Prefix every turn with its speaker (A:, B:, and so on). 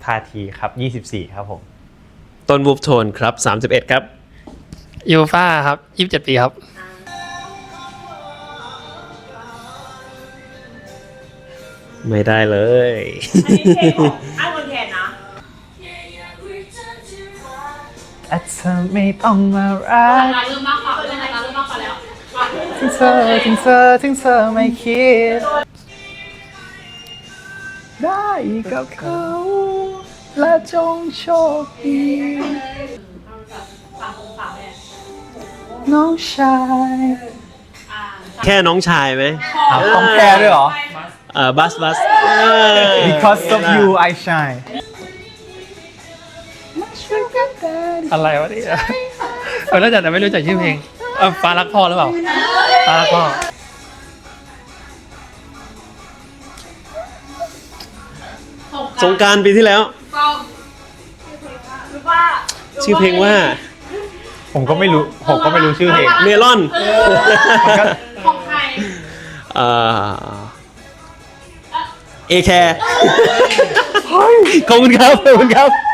A: ทาทีครับ24ครับผม
B: ต้นวูฟโทนครับ31ครับ
C: ยูฟ่าครับ27 ปีครับ
B: ไม่ได้เลย
D: อันนี้เพลงของไอ้คนแทนนะ
A: อาจจะไม่ต้องมารัก
D: เริ่มมากกว่าเริ่มมากกว่าแล้ว
A: ถึงเธอไม่คิดได้กับเขาและจงโชคดีน้องชาย
B: แค่น้องชายไหม
A: ต้องแค่ด้วยเหรอ
B: บัส
A: Because of you I shine
C: อะไรวะเนี่ยน่าจะแต่ไม่รู้จักชื่อเพลงฟ้ารักพ่อหรือเปล่าฟ้ารักพ่อ
B: สงกรานต์ปีที่แล้ว ชื่อเพลงว่า
A: ผมก็ไม่รู้ชื่อเพลง
B: เมลอน
D: ของใคร
B: เอแคร์ขอบคุณครับ